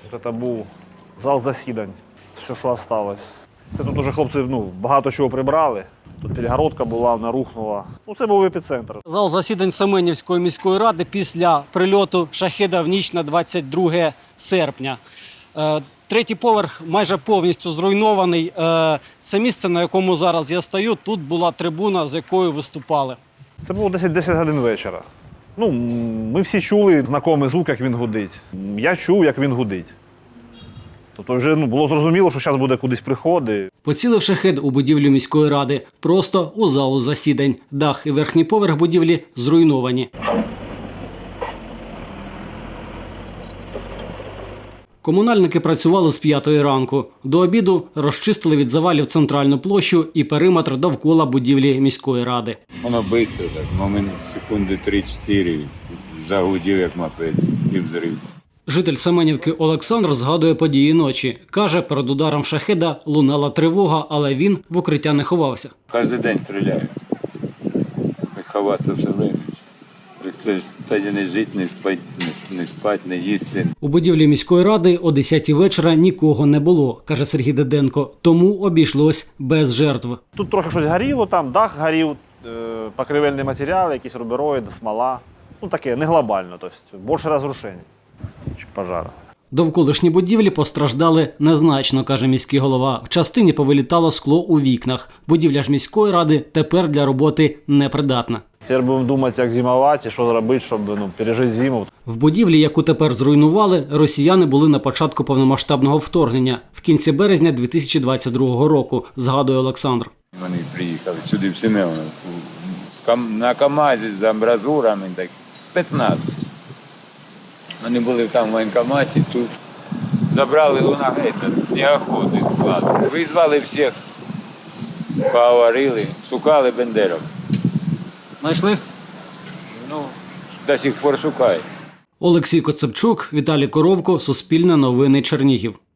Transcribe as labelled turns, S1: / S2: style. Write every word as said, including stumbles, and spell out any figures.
S1: Це був зал засідань, все, що залишилось. Це тут уже хлопці ну, багато чого прибрали. Тут перегородка була, вона рухнула. Ну, це був епіцентр.
S2: Зал засідань Семенівської міської ради після прильоту «Шахеда» в ніч на двадцять друге серпня. Е, Третій поверх майже повністю зруйнований. Е, Це місце, на якому зараз я стою, тут була трибуна, з якою виступали.
S1: Це було десять десять годин вечора. Ну, ми всі чули знайомий звук, як він гудить. Я чув, як він гудить. Тобто вже ну, було зрозуміло, що зараз буде кудись приходи.
S2: Поцілив «Шахед» у будівлю міської ради, просто у залу засідань. Дах і верхній поверх будівлі зруйновані. Комунальники працювали з п'ятої ранку. До обіду розчистили від завалів центральну площу і периметр довкола будівлі міської ради.
S3: Воно швидко, так, момент секунди три-чотири, загудів як мопед і взрив.
S2: Житель Семенівки Олександр згадує події ночі. Каже, перед ударом «Шахеда» лунала тривога, але він в укриття не ховався.
S3: Кожен день стріляю. І ховатися все время. Це ж тоді не жити, не спати, не, не спати, не їсти.
S2: У будівлі міської ради о десятій вечора нікого не було, каже Сергій Диденко. Тому обійшлось без жертв.
S1: Тут трохи щось горіло, там дах горів, покривельні матеріали, якісь рубероїд, смола. Ну таке, не глобально, тобто більше розрушень, ніж пожару.
S2: Довколишні будівлі постраждали незначно, каже міський голова. В частині повилітало скло у вікнах. Будівля ж міської ради тепер для роботи непридатна.
S1: Тепер будемо думати, як зимувати, що зробити, щоб ну, пережити зиму.
S2: В будівлі, яку тепер зруйнували, росіяни були на початку повномасштабного вторгнення, в кінці березня дві тисячі двадцять другого року, згадує Олександр.
S3: Вони приїхали сюди в Семенівку на КАМАЗі з амбразурами, так, спецназ. Вони були там в воєнкоматі, тут забрали лунагей, снігоход із складу. Визвали всіх, поговорили, шукали бендерів.
S2: Знайшли?
S3: Ну, до сих пор шукають.
S2: Олексій Коцепчук, Віталій Коровко, Суспільне новини, Чернігів.